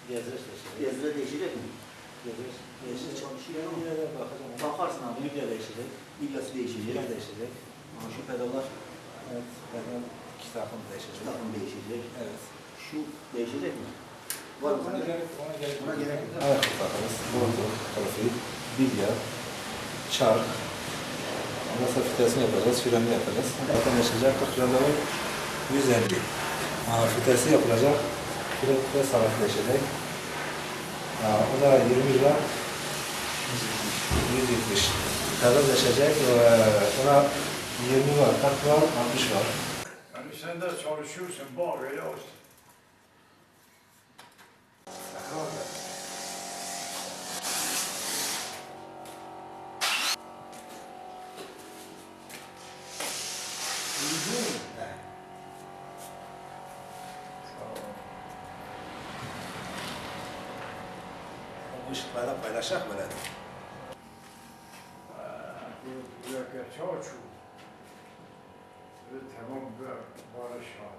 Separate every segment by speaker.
Speaker 1: Gezdir değişecek mi?
Speaker 2: Değişir.
Speaker 1: Çalışıyor
Speaker 2: Bir
Speaker 1: mu?
Speaker 2: yere bakacağım.
Speaker 1: Bakarsın abi.
Speaker 2: Libya değişecek.
Speaker 1: Libyası değişecek.
Speaker 2: Libya değişecek.
Speaker 1: Ama şu pedallar
Speaker 2: Evet. Benim iki takım değişecek.
Speaker 1: takım değişecek.
Speaker 2: Evet.
Speaker 1: Şu değişecek mi? Var mı sende? Ona gerek yok.
Speaker 2: Evet. Bakarız. Bordo, profil, Libya, çark. Ondan sonra fitesini yapacağız. Frenini yapacağız. Zaten yaşayacak. 40 randevu 150. Fitesi yapılacak. Fren ve salat değişecek. O da 20 lira. 170. Pedal değişecek. Ona 20 var, 40 var, 60 var.
Speaker 3: Yani sen de çalışıyorsun, bak öyle olsun.
Speaker 2: Bu ışıklarla paylaşacak böyle.
Speaker 3: Bu yaklaşık çok. Ve tamam barış var.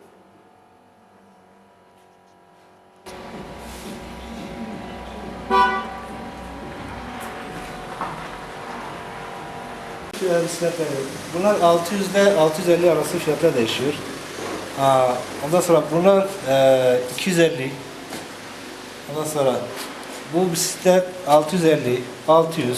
Speaker 2: Bunlar 600 ile 650 arası fiyatlar değişiyor. Ondan sonra bunlar 250. Ondan sonra bu bisiklet 650, 600.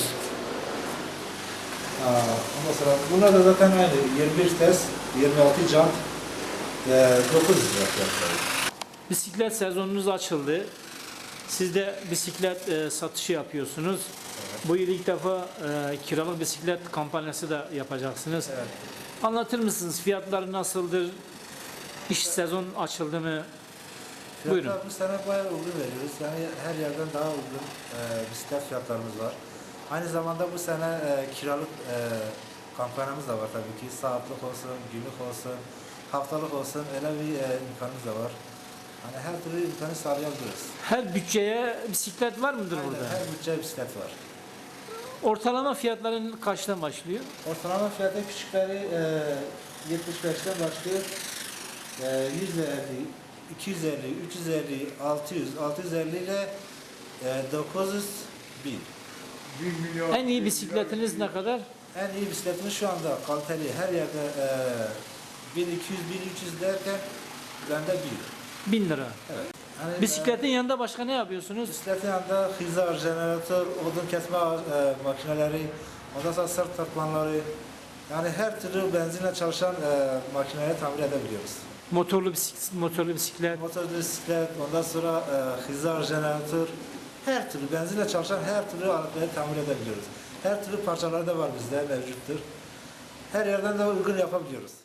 Speaker 2: Ondan sonra bunlar da zaten aynı 21 vites, 26 jant, 900 lira fiyatları.
Speaker 4: Bisiklet sezonunuz açıldı. Siz de bisiklet satışı yapıyorsunuz.
Speaker 2: Evet.
Speaker 4: Bu yıl ilk defa kiralık bisiklet kampanyası da yapacaksınız.
Speaker 2: Evet.
Speaker 4: Anlatır mısınız? Fiyatları nasıldır? İş sezon açıldı mı? Buyurun.
Speaker 2: Fiyatlar bu sene bayağı uygun veriyoruz. Yani her yerden daha uygun bisiklet fiyatlarımız var. Aynı zamanda bu sene kiralık kampanyamız da var tabii ki. Saatlik olsun, günlük olsun, haftalık olsun öyle bir imkanımız da var. Hani her türlü imkanı sağlayabiliriz.
Speaker 4: Her bütçeye bisiklet var mıdır
Speaker 2: Aynen,
Speaker 4: burada?
Speaker 2: her bütçe bisiklet var.
Speaker 4: Ortalama fiyatların kaçtan başlıyor?
Speaker 2: Ortalama fiyatı küçükleri 75'ten başlıyor. 150, 250, 350, 600, 650 ile 900, 1000.
Speaker 3: 1 milyon.
Speaker 4: En iyi bisikletiniz ne kadar?
Speaker 2: En iyi bisikletimiz şu anda kaliteli. Her yerde 1200, 1300 derken bende 1000.
Speaker 4: 1000 lira.
Speaker 2: Evet. Yani,
Speaker 4: Bisikletin yanında başka ne yapıyorsunuz?
Speaker 2: bisikletin yanında hizar, jeneratör, odun kesme makineleri, ondan sonra sırt takmanları, yani her türlü benzinle çalışan makineleri tamir edebiliyoruz.
Speaker 4: Motorlu bisiklet.
Speaker 2: Motor bisiklet, ondan sonra hizar, jeneratör, her türlü benzinle çalışan her türlü aletleri tamir edebiliyoruz. Her türlü parçaları da var bizde mevcuttur. Her yerden de uygun yapabiliyoruz.